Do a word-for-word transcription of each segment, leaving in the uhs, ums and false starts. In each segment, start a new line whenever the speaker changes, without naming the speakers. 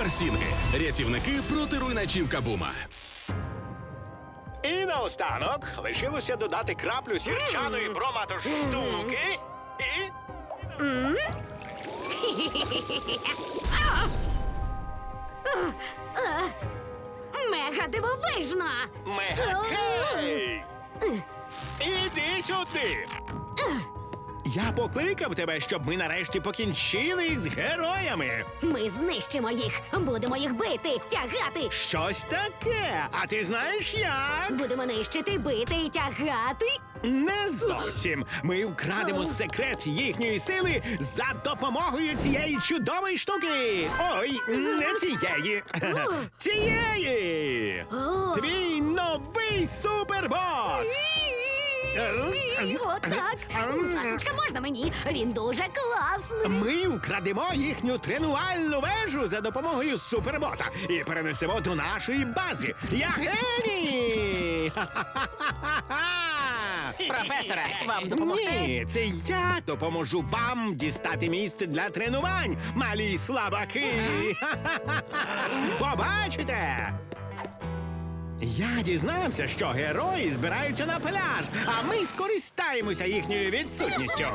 Суперсінги. Рятівники проти руйначів Кабума.
І наостанок лишилося додати краплю сірчаної броматоштуки і...
Мега дивовижно!
Мегакей! Іди сюди! Я покликав тебе, щоб ми нарешті покінчили з героями.
Ми знищимо їх, будемо їх бити, тягати.
Щось таке. А ти знаєш як?
Будемо нищити, бити і тягати.
Не зовсім. Ми вкрадемо секрет їхньої сили за допомогою цієї чудової штуки. Ой, не цієї. Цієї.
О.
Твій новий супербот.
Отак. Будь ласочка, можна мені? Він дуже класний.
Ми вкрадемо їхню тренувальну вежу за допомогою супербота і перенесемо до нашої бази. Я геній!
Професоре, вам допомогти?
Ні, це я допоможу вам дістати місце для тренувань, малі слабаки. Побачите! Я дізнався, що герої збираються на пляж, а ми скористаємося їхньою відсутністю.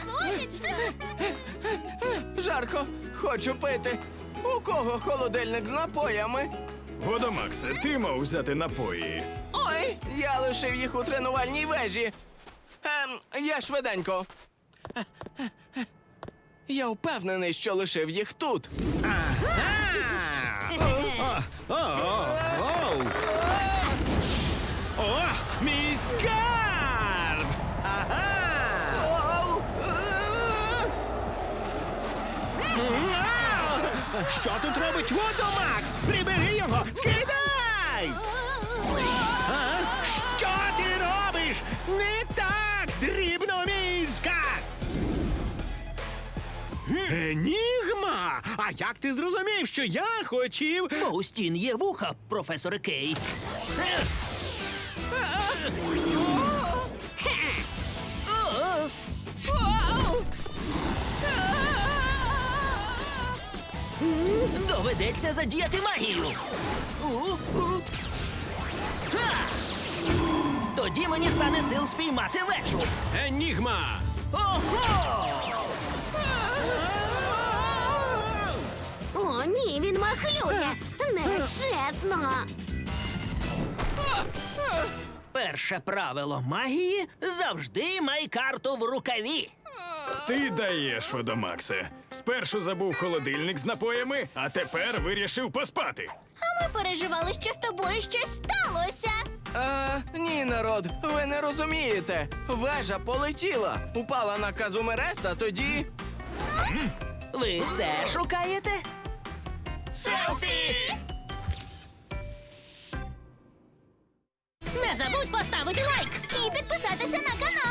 Жарко, хочу пити. У кого холодильник з напоями?
Водомаксе, ти мав взяти напої.
Ой, я лишив їх у тренувальній вежі. Ем, я швиденько. Я впевнений, що лишив їх тут.
О, о, о. О, мій скарб! Ага!
Оу!
Що тут робить Водомакс? Прибери його! Скидай! А? Що ти робиш? Не так, дрібномізка! Енігма! А як ти зрозумів, що я хотів...
Бо у стін є вуха, професоре Кей. Доведеться задіяти магію. У-у. Ха! Тоді мені стане сил спіймати вежу.
Енігма!
Ого!
О, ні, він махлює. Нечесно.
Перше правило магії – завжди май карту в рукаві.
Ти даєш, Водомаксе. Спершу забув холодильник з напоями, а тепер вирішив поспати.
А ми переживали, що з тобою щось сталося.
А, ні, народ, ви не розумієте. Вежа полетіла, упала на Казумереста, тоді...
Ви це шукаєте?
Селфі! Не забудь поставити лайк і підписатися на канал.